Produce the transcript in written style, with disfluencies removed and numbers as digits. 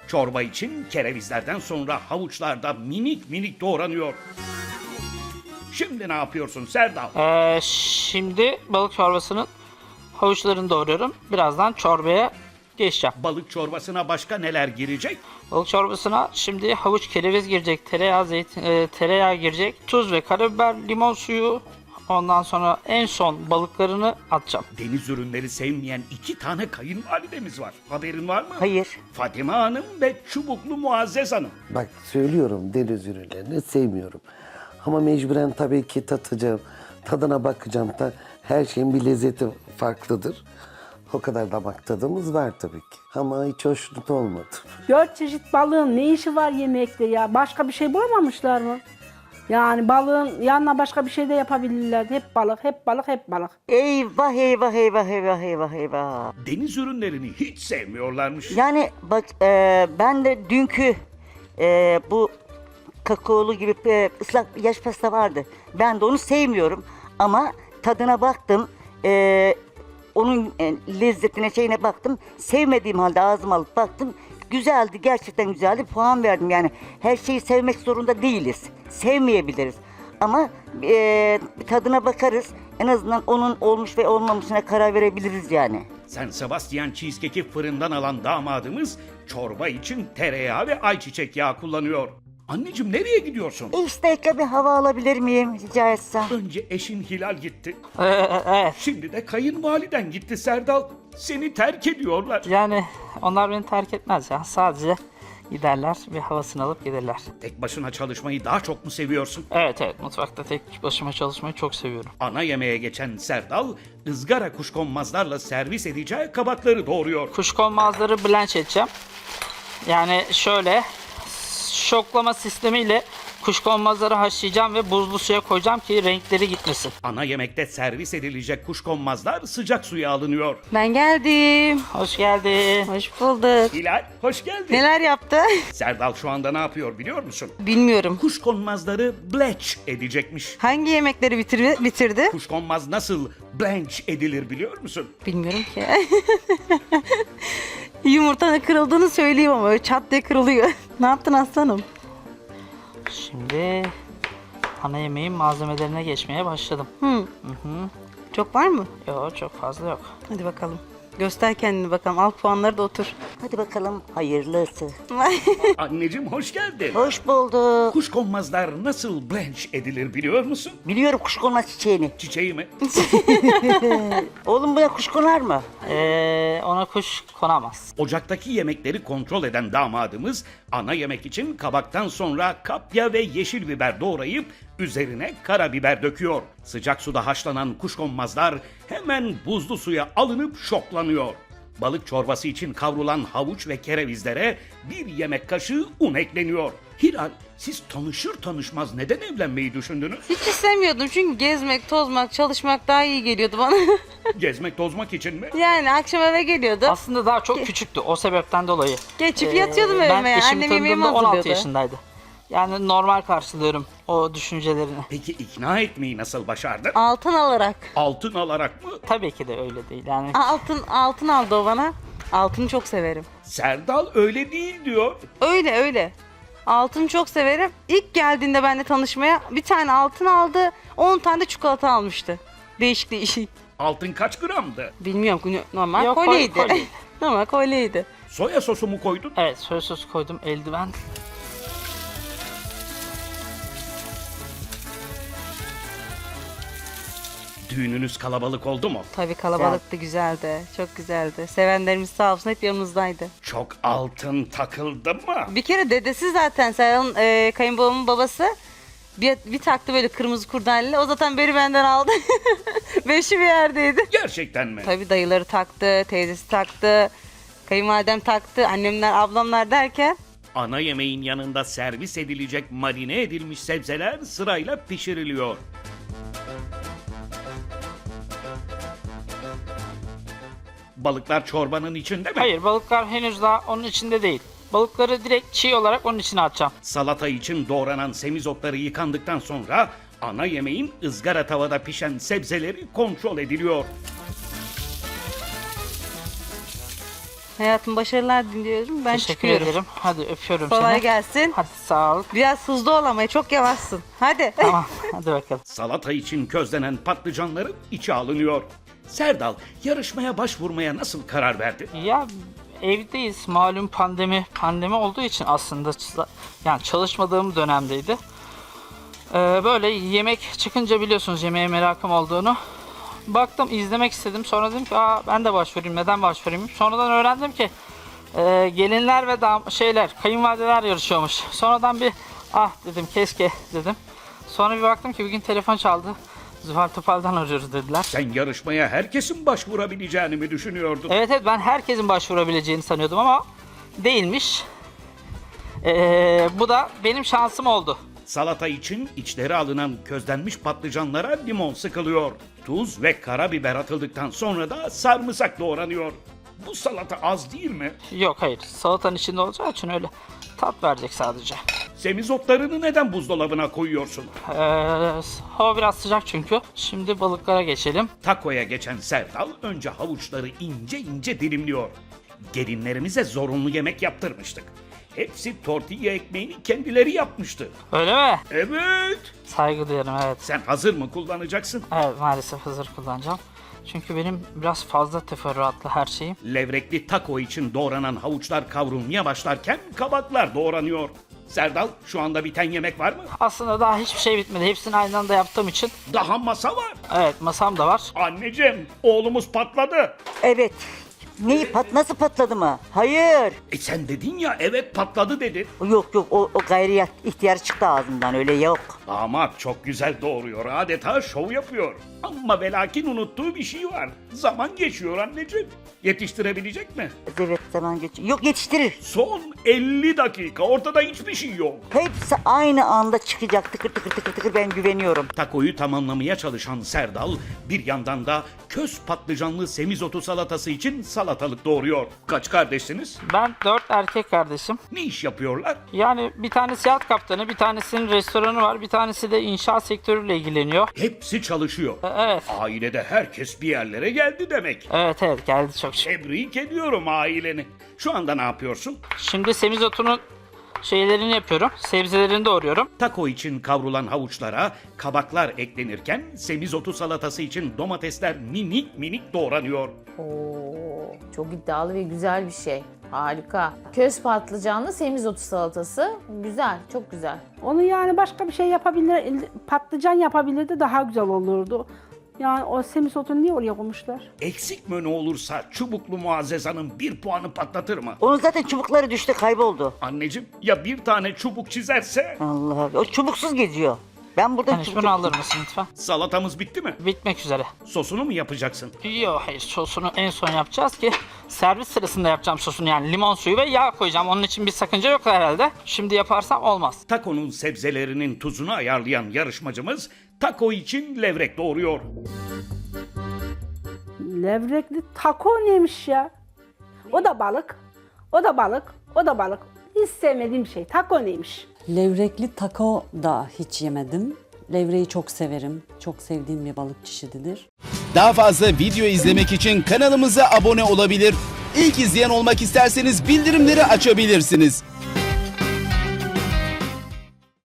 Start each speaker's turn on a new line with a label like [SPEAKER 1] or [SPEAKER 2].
[SPEAKER 1] Çorba için kerevizlerden sonra havuçlar da minik minik doğranıyor. Şimdi ne yapıyorsun Serdal?
[SPEAKER 2] Şimdi balık çorbasının havuçlarını doğruyorum. Birazdan çorbaya geçeceğim.
[SPEAKER 1] Balık çorbasına başka neler girecek?
[SPEAKER 2] Balık çorbasına şimdi havuç, kereviz girecek, tereyağı girecek, tuz ve karabiber, limon suyu. Ondan sonra en son balıklarını atacağım.
[SPEAKER 1] Deniz ürünleri sevmeyen 2 tane kayınvalidemiz var. Haberin var mı?
[SPEAKER 3] Hayır.
[SPEAKER 1] Fatime Hanım ve Çubuklu Muazzez Hanım.
[SPEAKER 4] Bak söylüyorum, deniz ürünlerini sevmiyorum. Ama mecburen tabii ki tatacağım, tadına bakacağım. Her şeyin bir lezzeti farklıdır. O kadar damak tadımız var tabii ki. Ama hiç hoşnut olmadım.
[SPEAKER 5] 4 çeşit balığın ne işi var yemekte ya? Başka bir şey bulamamışlar mı? Yani balığın yanına başka bir şey de yapabilirlerdi. Hep balık, hep balık, hep balık.
[SPEAKER 3] Eyvah eyvah eyvah eyvah eyvah eyvah.
[SPEAKER 1] Deniz ürünlerini hiç sevmiyorlarmış.
[SPEAKER 3] Yani bak ben de dünkü bu kakaolu gibi ıslak yaş pasta vardı. Ben de onu sevmiyorum ama tadına baktım. Onun lezzetine şeyine baktım. Sevmediğim halde ağzıma alıp baktım. Güzeldi, gerçekten güzeldi. Puan verdim yani. Her şeyi sevmek zorunda değiliz. Sevmeyebiliriz. Ama tadına bakarız. En azından onun olmuş ve olmamışına karar verebiliriz yani.
[SPEAKER 1] San Sebastian cheesecake'i fırından alan damadımız çorba için tereyağı ve ayçiçek yağı kullanıyor. Anneciğim nereye gidiyorsun?
[SPEAKER 3] 5 dakika bir hava alabilir miyim rica etsem?
[SPEAKER 1] Önce eşin Hilal gitti.
[SPEAKER 2] Evet.
[SPEAKER 1] Şimdi de kayınvaliden gitti Serdal. Seni terk ediyorlar.
[SPEAKER 2] Yani onlar beni terk etmez ya. Sadece giderler ve havasını alıp gelirler.
[SPEAKER 1] Tek başına çalışmayı daha çok mu seviyorsun?
[SPEAKER 2] Evet, mutfakta tek başıma çalışmayı çok seviyorum.
[SPEAKER 1] Ana yemeğe geçen Serdal, ızgara kuşkonmazlarla servis edeceği kabakları doğuruyor.
[SPEAKER 2] Kuşkonmazları blanch edeceğim. Yani şöyle şoklama sistemiyle kuşkonmazları haşlayacağım ve buzlu suya koyacağım ki renkleri gitmesin.
[SPEAKER 1] Ana yemekte servis edilecek kuşkonmazlar sıcak suya alınıyor.
[SPEAKER 6] Ben geldim.
[SPEAKER 2] Hoş geldin.
[SPEAKER 6] Hoş bulduk.
[SPEAKER 1] Hilal, hoş geldin.
[SPEAKER 6] Neler yaptı?
[SPEAKER 1] Serdal şu anda ne yapıyor biliyor musun?
[SPEAKER 6] Bilmiyorum.
[SPEAKER 1] Kuşkonmazları blanch edecekmiş.
[SPEAKER 6] Hangi yemekleri bitirdi?
[SPEAKER 1] Kuşkonmaz nasıl blanch edilir biliyor musun?
[SPEAKER 6] Bilmiyorum ki. Yumurtanın kırıldığını söyleyeyim ama öyle çat diye kırılıyor. Ne yaptın aslanım?
[SPEAKER 2] Şimdi ana yemeğin malzemelerine geçmeye başladım.
[SPEAKER 6] Çok var mı?
[SPEAKER 2] Yok, çok fazla yok.
[SPEAKER 6] Hadi bakalım. Göster kendini bakalım. Al puanları da otur.
[SPEAKER 3] Hadi bakalım hayırlısı.
[SPEAKER 1] Anneciğim hoş geldin.
[SPEAKER 3] Hoş bulduk.
[SPEAKER 1] Kuşkonmazlar nasıl blanch edilir biliyor musun?
[SPEAKER 3] Biliyorum kuşkonmaz çiçeğini.
[SPEAKER 1] Çiçeği mi?
[SPEAKER 3] Oğlum buna kuş konar mı?
[SPEAKER 2] Ona kuş konamaz.
[SPEAKER 1] Ocaktaki yemekleri kontrol eden damadımız ana yemek için kabaktan sonra kapya ve yeşil biber doğrayıp üzerine karabiber döküyor. Sıcak suda haşlanan kuşkonmazlar hemen buzlu suya alınıp şoklanıyor. Balık çorbası için kavrulan havuç ve kerevizlere bir yemek kaşığı un ekleniyor. Hilal, siz tanışır tanışmaz neden evlenmeyi düşündünüz?
[SPEAKER 6] Hiç istemiyordum çünkü gezmek, tozmak, çalışmak daha iyi geliyordu bana.
[SPEAKER 1] Gezmek tozmak için mi?
[SPEAKER 6] Yani akşam eve geliyordu.
[SPEAKER 2] Aslında daha çok küçüktü o sebepten dolayı.
[SPEAKER 6] Geçip yatıyordum evime.
[SPEAKER 2] Ben eşimi
[SPEAKER 6] Annem yemeğimi
[SPEAKER 2] tanıdığımda 16
[SPEAKER 6] hazırlıyordu.
[SPEAKER 2] yaşındaydı. Yani normal karşılıyorum o düşüncelerini.
[SPEAKER 1] Peki ikna etmeyi nasıl başardın?
[SPEAKER 6] Altın alarak.
[SPEAKER 1] Altın alarak mı?
[SPEAKER 2] Tabii ki de öyle değil. Yani
[SPEAKER 6] Altın aldı o bana. Altını çok severim.
[SPEAKER 1] Serdal öyle değil diyor.
[SPEAKER 6] Öyle. Altını çok severim. İlk geldiğinde benimle tanışmaya bir tane altın aldı. 10 tane de çikolata almıştı. Değişik.
[SPEAKER 1] Altın kaç gramdı?
[SPEAKER 6] Bilmiyorum, normal
[SPEAKER 2] Yok,
[SPEAKER 6] kolyeydi.
[SPEAKER 2] kolye.
[SPEAKER 6] Normal kolyeydi.
[SPEAKER 1] Soya sosu mu koydun?
[SPEAKER 2] evet, soya sosu koydum, eldiven.
[SPEAKER 1] Düğününüz kalabalık oldu mu?
[SPEAKER 6] Tabii kalabalıktı, güzeldi. Çok güzeldi. Sevenlerimiz sağ olsun hep yanımızdaydı.
[SPEAKER 1] Çok altın takıldı mı?
[SPEAKER 6] Bir kere dedesi zaten Serhan'ın kayınbabamın babası bir taktı böyle kırmızı kurdaleli. O zaten beri benden aldı. Beşi bir yerdeydi.
[SPEAKER 1] Gerçekten mi?
[SPEAKER 6] Tabii dayıları taktı, teyzesi taktı, kayınvalidem taktı, annemler, ablamlar derken.
[SPEAKER 1] Ana yemeğin yanında servis edilecek marine edilmiş sebzeler sırayla pişiriliyor. Balıklar çorbanın içinde mi?
[SPEAKER 2] Hayır, balıklar henüz daha onun içinde değil. Balıkları direkt çiğ olarak onun içine atacağım.
[SPEAKER 1] Salata için doğranan semizotları yıkandıktan sonra ana yemeğin ızgara tavada pişen sebzeleri kontrol ediliyor.
[SPEAKER 6] Hayatım başarılar diliyorum. Ben
[SPEAKER 2] Teşekkür
[SPEAKER 6] çıkıyorum.
[SPEAKER 2] ederim. Hadi öpüyorum
[SPEAKER 6] Kolay
[SPEAKER 2] seni.
[SPEAKER 6] gelsin.
[SPEAKER 2] Hadi sağ ol.
[SPEAKER 6] Biraz hızlı ol ama çok yavaşsın. Hadi.
[SPEAKER 2] Tamam hadi bakalım.
[SPEAKER 1] Salata için közlenen patlıcanların içi alınıyor. Serdal yarışmaya başvurmaya nasıl karar verdi?
[SPEAKER 2] Ya evdeyiz malum pandemi olduğu için aslında yani çalışmadığım dönemdeydi. Böyle yemek çıkınca biliyorsunuz yemeğe merakım olduğunu. Baktım izlemek istedim sonra dedim ki ben de başvurayım neden başvurayım. Sonradan öğrendim ki gelinler ve kayınvalideler yarışıyormuş. Sonradan bir dedim keşke dedim. Sonra bir baktım ki bugün telefon çaldı. Zuhal Topal'dan arıyoruz dediler.
[SPEAKER 1] Sen yarışmaya herkesin başvurabileceğini mi düşünüyordun?
[SPEAKER 2] Evet ben herkesin başvurabileceğini sanıyordum ama değilmiş. Bu da benim şansım oldu.
[SPEAKER 1] Salata için içleri alınan közlenmiş patlıcanlara limon sıkılıyor. Tuz ve karabiber atıldıktan sonra da sarımsak doğranıyor. Bu salata az değil mi?
[SPEAKER 2] Yok hayır salatanın içinde olacağı için öyle tat verecek sadece.
[SPEAKER 1] Semizotlarını neden buzdolabına koyuyorsun?
[SPEAKER 2] Hava biraz sıcak çünkü. Şimdi balıklara geçelim.
[SPEAKER 1] Takoya geçen Serdal önce havuçları ince ince dilimliyor. Gelinlerimize zorunlu yemek yaptırmıştık. Hepsi tortilla ekmeğini kendileri yapmıştı.
[SPEAKER 2] Öyle mi?
[SPEAKER 1] Evet.
[SPEAKER 2] Saygı duyarım evet.
[SPEAKER 1] Sen hazır mı kullanacaksın?
[SPEAKER 2] Evet maalesef hazır kullanacağım. Çünkü benim biraz fazla teferruatlı her şeyim.
[SPEAKER 1] Levrekli taco için doğranan havuçlar kavrulmaya başlarken kabaklar doğranıyor. Serdal şu anda biten yemek var mı?
[SPEAKER 2] Aslında daha hiçbir şey bitmedi. Hepsini aynı anda yaptığım için.
[SPEAKER 1] Daha masa var.
[SPEAKER 2] Evet masam da var.
[SPEAKER 1] Anneciğim oğlumuz patladı.
[SPEAKER 3] Evet. Nasıl patladı mı? Hayır.
[SPEAKER 1] Sen dedin ya evet patladı dedin.
[SPEAKER 3] Yok o gayri ihtiyar çıktı ağzımdan öyle yok.
[SPEAKER 1] Damat çok güzel doğuruyor adeta şov yapıyor. Ama ve lakin unuttuğu bir şey var. Zaman geçiyor anneciğim. Yetiştirebilecek mi?
[SPEAKER 3] Evet zaman geçiyor. Yok yetiştirir.
[SPEAKER 1] Son 50 dakika ortada hiçbir şey yok.
[SPEAKER 3] Hepsi aynı anda çıkacak tıkır tıkır tıkır tıkır ben güveniyorum.
[SPEAKER 1] Takoyu tamamlamaya çalışan Serdal bir yandan da köz patlıcanlı semizotu salatası için salatalık doğuruyor. Kaç kardeşsiniz?
[SPEAKER 2] Ben 4 erkek kardeşim.
[SPEAKER 1] Ne iş yapıyorlar?
[SPEAKER 2] Yani bir tanesi yat kaptanı, bir tanesinin restoranı var, bir tanesi de inşaat sektörüyle ilgileniyor.
[SPEAKER 1] Hepsi çalışıyor.
[SPEAKER 2] Evet.
[SPEAKER 1] Ailede herkes bir yerlere geldi demek.
[SPEAKER 2] Evet geldi çok şükür.
[SPEAKER 1] Tebrik ediyorum aileni. Şu anda ne yapıyorsun?
[SPEAKER 2] Şimdi semizotunun şeylerini yapıyorum. Sebzelerini doğruyorum.
[SPEAKER 1] Taco için kavrulan havuçlara kabaklar eklenirken semizotu salatası için domatesler minik minik doğranıyor.
[SPEAKER 7] Oo, çok iddialı ve güzel bir şey. Harika. Köz patlıcanlı semizotu salatası. Güzel, çok güzel.
[SPEAKER 5] Onu yani başka bir şey yapabilir, patlıcan yapabilirdi daha güzel olurdu. Yani o semisotunu niye oraya koymuşlar?
[SPEAKER 1] Eksik menü olursa çubuklu Muazzez Hanım 1 puanı patlatır mı?
[SPEAKER 3] Onun zaten çubukları düştü kayboldu.
[SPEAKER 1] Anneciğim ya bir tane çubuk çizerse?
[SPEAKER 3] Allah Allah. O çubuksuz geziyor. Ben burada
[SPEAKER 2] Hani şunu alır mısın lütfen?
[SPEAKER 1] Salatamız bitti mi?
[SPEAKER 2] Bitmek üzere.
[SPEAKER 1] Sosunu mu yapacaksın?
[SPEAKER 2] Yok hayır sosunu en son yapacağız ki servis sırasında yapacağım sosunu yani limon suyu ve yağ koyacağım. Onun için bir sakınca yok herhalde. Şimdi yaparsam olmaz.
[SPEAKER 1] Taco'nun sebzelerinin tuzunu ayarlayan yarışmacımız taco için levrek doğuruyor.
[SPEAKER 5] Levrekli taco neymiş ya? O da balık, o da balık, o da balık. Hiç sevmediğim şey. Taco neymiş?
[SPEAKER 8] Levrekli taco da hiç yemedim. Levreyi çok severim. Çok sevdiğim bir balık çeşididir.
[SPEAKER 9] Daha fazla video izlemek için kanalımıza abone olabilir. İlk izleyen olmak isterseniz bildirimleri açabilirsiniz.